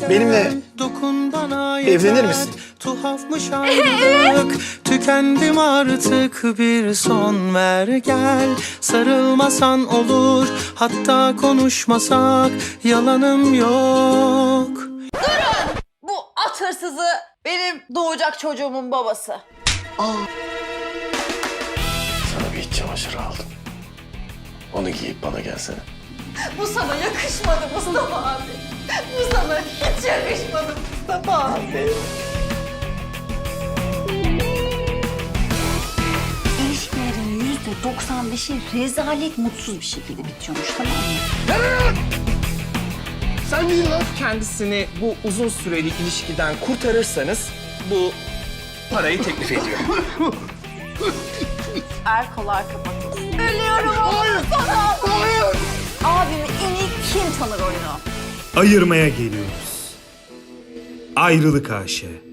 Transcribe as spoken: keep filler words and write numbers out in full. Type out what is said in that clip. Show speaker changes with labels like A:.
A: benimle evlenir misin?
B: Tuhafmış ayrılık. Tükendim artık, bir son ver gel. Sarılmasan olur, hatta konuşmasak yalanım yok.
C: Durun! Bu at hırsızı benim doğacak çocuğumun babası.
A: Sana bir iç çamaşırı aldım. Onu giyip bana gelsene.
C: Bu sana yakışmadı Mustafa abi. Bu sana hiç yakışmadı Mustafa abi.
D: İlişkilerin yüzde doksan beşi rezalet, mutsuz bir şekilde bitiyormuş, tamam mı?
A: Sen değil lan.
E: Kendisini bu uzun süreli ilişkiden kurtarırsanız bu parayı teklif ediyor.
C: Erkolar kapatılsın. Ölüyorum oğlum sana. Abimi en iyi kim tanır oyunu?
F: Ayırmaya geliyoruz. Ayrılık Aşe.